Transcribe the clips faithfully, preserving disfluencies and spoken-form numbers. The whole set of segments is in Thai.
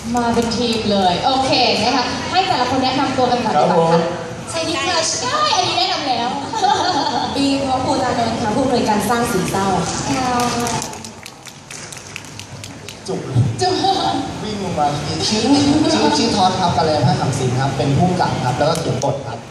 มาเป็นทีมเลยโอเคนะคะให้แต่ละคนแนะนำตัวกันก่อนดีกว่าค่ะใช่ที่เคยใช่อันนี้แนะนำแล้วปีพร้อมภูตานนท์ค่ะผู้อำนวยการสร้างสีเศร้าจุกจุกวิ่งลงมาชื่อชื่อชื่อทอดครับกาเลผ้าขำสิงครับเป็นผู้กำกับครับแล้วก็เขียนบทครับ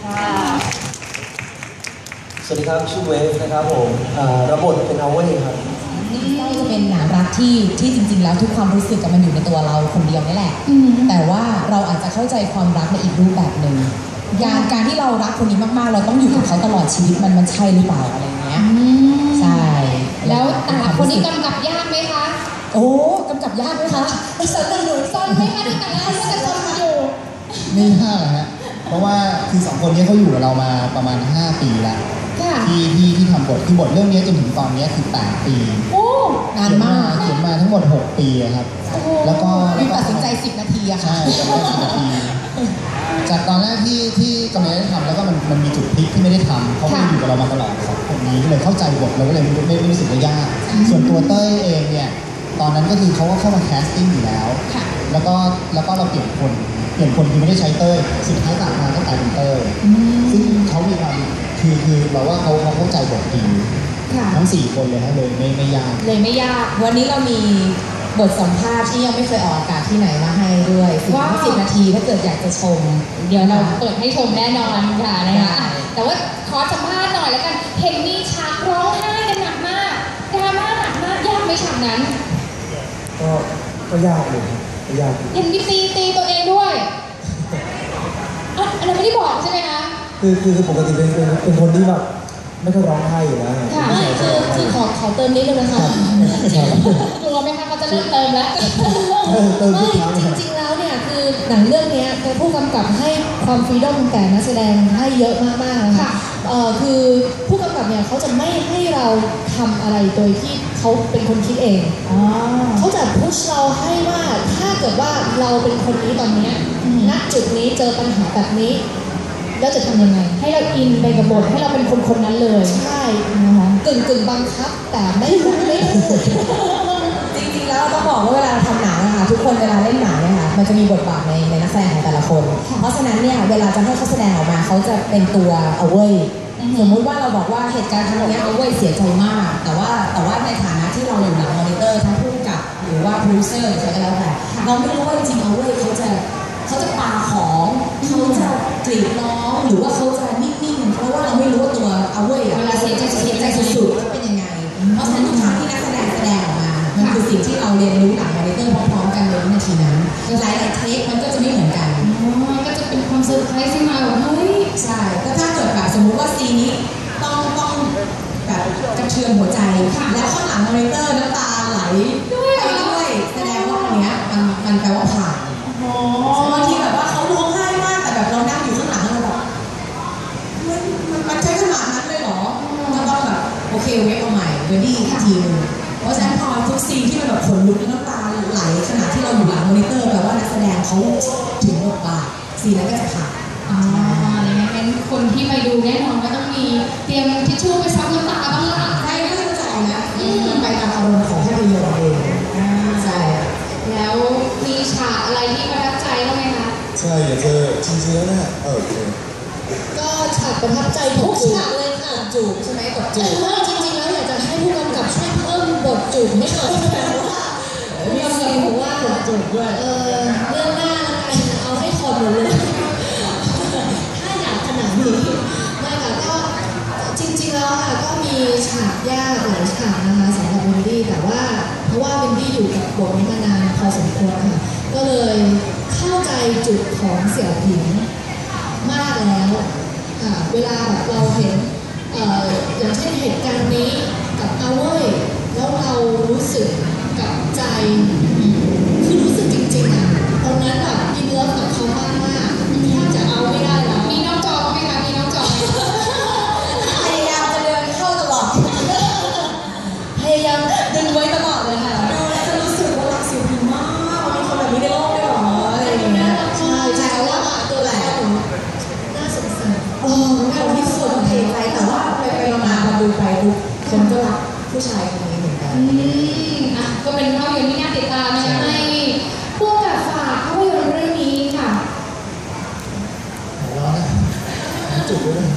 สวัสดีครับชื่อเวฟนะครับผมรับบทเป็นเอาเว่ครับก็จะเป็นหนังรักที่ที่จริงๆแล้วทุกความรู้สึกมันอยู่ในตัวเราคนเดียวนี่แหละแต่ว่าเราอาจจะเข้าใจความรักในอีกรูปแบบหนึ่งการการที่เรารักคนนี้มากๆเราต้องอยู่กับเขาตลอดชีวิตมันมันใช่หรือเปล่าอะไรเงี้ยใช่แล้วแต่ละคนนี้กำกับยากไหมคะโอ้กำกับยากไหมคะสนหนุนซนไหมคะในแต่ละคนจะซนอยู่ไม่ยากฮะเพราะว่าคือสองคนนี้เขาอยู่กับเรามาประมาณห้าปีแล้วที่ที่ที่ทำบทคือบทเรื่องนี้จนถึงตอนนี้คือแปดปีโอ้นานมากเขียนมาทั้งหมดหกปีครับแล้วก็แล้วก็ตัดสินใจสิบนาทีอะค่ะใช่ตัดสินใจสิบนาทีจากตอนแรกที่ที่กำลังได้ทำแล้วก็มันมันมีจุดพลิกที่ไม่ได้ทำเขาไม่อยู่กับเรามาตลอดสองคนนี้ก็เลยเข้าใจบทเราก็เลยไม่ไม่ไม่รู้สึกว่ายากส่วนตัวเต้ยเองเนี่ยตอนนั้นก็คือเขาก็เข้ามาแคสติ้งอยู่แล้วแล้วก็แล้วก็เราเปลี่ยนคนเปลี่ยนคนคือไม่ได้ใช้เต้ยสุดท้ายต่างมาก็กลายเป็นเต้ยซึ่งเขามีความคือคือเราว่าเขาเขาเข้าใจบทดีทั้งสี่คนเลยนะเลยไม่ไม่ยากเลยไม่ยากวันนี้เรามีบทสัมภาษณ์ที่ยังไม่เคยออกอากาศที่ไหนมาให้ด้วยสิบนาทีถ้าเกิดอยากจะชมเดี๋ยวเราเปิดให้ชมแน่นอนค่ะนะคะแต่ว่าขอสัมภาษณ์หน่อยแล้วกันเห็นมีฉากร้องไห้กันหนักมากดราม่าหนักมากยากไหมฉากนั้นก็ก็ยากเลยก็ยากเห็นมีตีตีตัวเองด้วยอ่ะอันนั้นไม่ได้บอกใช่ไหมคะคือคือปกติเป็นเป็นคนที่แบบไม่ค่อยร้องไห้อยู่แล้วค่ะคือคือขอขอเติมนิดนึงนะคะกลัวไหมคะเขาจะเริ่มเติมแล้วไม่จริงๆแล้วเนี่ยคือหนังเรื่องนี้ผู้กำกับให้ความฟรีดอมแต่นักแสดงให้เยอะมากๆนะคะเอ่อคือผู้กำกับเนี่ยเขาจะไม่ให้เราทำอะไรโดยที่เขาเป็นคนคิดเองเขาจะพุชเราให้ว่าถ้าเกิดว่าเราเป็นคนนี้ตอนนี้ณจุดนี้เจอปัญหาแบบนี้แล้วจะทำยังไงให้เราอินไปกับบทให้เราเป็นคนคนนั้นเลยใช่นะคะกึ่งกึ่งบังคับแต่ไม่ไม่จริงๆแล้วเราต้องบอกว่าเวลาเราทำหนังนะคะทุกคนเวลาเล่นหนังเนี่ยค่ะมันจะมีบทบาทในในนักแสดงของแต่ละคนเพราะฉะนั้นเนี่ยเวลาจะให้เขาแสดงออกมาเขาจะเป็นตัวเอาเว้ยสมมุติว่าเราบอกว่าเหตุการณ์ครั้งนี้เอาเว้ยเสียใจมากแต่ว่าแต่ว่าในฐานะที่เราอยู่หลังมอนิเตอร์ทั้งผู้กำกับหรือว่าโปรดิวเซอร์หรือใครก็แล้วแต่เราไม่รู้ว่าจริงๆเอาเว้ยเขาจะเขาจะปาของเขาจะกรีดร้องหรือว่าเขาจะนิ่งๆเพราะว่าเราไม่รู้ว่าตัวเอาเว้ยเวลาเสียใจเสียใจสุดๆเป็นยังไงเพราะฉะนั้นทุกครั้งที่นักแสดงแสดงออกมามันคือสิ่งที่เราเรียนรู้หลังมอนิเตอร์พร้อมๆกันในวินาทีนั้นหลายๆเทคมันก็จะไม่เหมือนกันก็จะเป็นความเซอร์ไพรส์ที่มาแบบเฮ้ยใช่ก็ถ้าเกิดแบบสมมุติว่าซีนนี้ต้องต้องแบบกระเทือนหัวใจแล้วข้างหลังมอนิเตอร์น้ำตาไหลด้วยด้วยแสดงว่าอันเนี้ยมันมันแปลว่าผ่านบางทีแบบว่าเขาร้องไห้มากแต่แบบเรานั่งอยู่ข้างหลังเราแบบมันมันใช้ขนาดนั้นเลยเหรอก็ต้องแบบโอเคเวฟเอาใหม่เวดี้อีกทีนึงเพราะฉะนั้นพอทุกซีนที่มันแบบขนลุกน้ำตาไหลขณะที่เราอยู่หลังมอนิเตอร์แปลว่านักแสดงเขาถึงบทบาทซีนนั้นก็จะผ่านอ๋ออย่างนั้นคนที่ไปดูแน่นอนก็ต้องมีเตรียมทิชชู่ไปซับน้ำตาบ้างล่ะใช่ไม่เข้าใจนะมันไปตามอารมณ์ของภาพยนตร์เองใช่แล้วมีฉากอะไรที่ประทับใจบ้างไหมคะใช่อยากจะจริงๆแล้วนะเออก็ฉากประทับใจทุกฉากเลยค่ะจูบใช่ไหมบทจูบจริงๆแล้วอยากจะให้ผู้กำกับช่วยเพิ่มบทจูบให้หน่อยมีซีนบอกว่าบทจูบด้วยเออเรื่องหน้าแล้วกันเอาให้ถอดหมดเลยถ้าอยากขนาดนี้ไม่ค่ะก็จริงๆแล้วค่ะก็มีฉากยากหลายฉากนะคะสำหรับวินดี้แต่ว่าเพราะว่าวินดี้อยู่กับบทนี้มานานพอสมควรค่ะก็เลยเข้าใจจุดของเสี่ยวผิงมากแล้วค่ะเวลาแบบเราเห็นเอ่ออย่างเช่นเหตุการณ์นี้กับเอาเว้ยแล้วเรารู้สึกกับใจคือรู้สึกจริงๆอ่ะตอนนั้นแบบอินเลิฟกับเขามากมากแทบจะเอาไม่ได้แล้วมีน้องจอไหมคะมีน้องจอพยายามจะเดินเข้าตลอดพยายามดึงไว้ตลอดเลยค่ะดูแล้วจะรู้สึกว่ารักเสี่ยวผิงมากมีคนแบบนี้ในโลกด้วยหรออะไรอย่างเงี้ยใช่ใช่ว่าตัวแหลมน่าสงสารโอ้น่าที่สุดเทใจแต่ว่าไปไปมาพอดูไปทุกคนก็รักผู้ชายคนนี้เหมือนกันอืมอ่ะ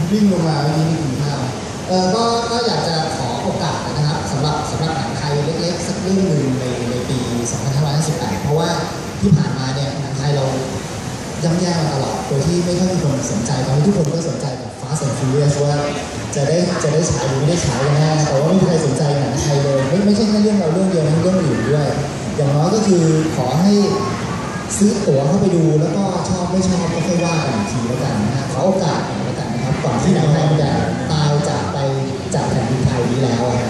วิ่งลงมาวันนี้มีกินข้าวเออก็ก็อยากจะขอโอกาสนะครับสำหรับสำหรับหนังไทยเล็กๆสักเรื่องหนึ่งในในปีสองพันห้าร้อยห้าสิบแปดเพราะว่าที่ผ่านมาเนี่ยหนังไทยเราย่ำแย่มาตลอดโดยที่ไม่ค่อยมีคนสนใจตอนนี้ทุกคนก็สนใจกับ Fast and Furious ว่าจะได้จะได้ฉายหรือไม่ได้ฉายกันแน่แต่ว่าไม่มีใครสนใจหนังไทยเลยไม่ไม่ใช่แค่เรื่องเราเรื่องเดียวนะเรื่องอื่นด้วยอย่างน้อยก็คือขอให้ซื้อตั๋วเข้าไปดูแล้วก็ชอบไม่ชอบก็ค่อยว่ากันอีกทีแล้วกันนะฮะขอโอกาสหน่อยแล้วกันนะครับก่อนที่หนังไทยจะตายจากไปจากแผ่นดินไทยนี้แล้วนะ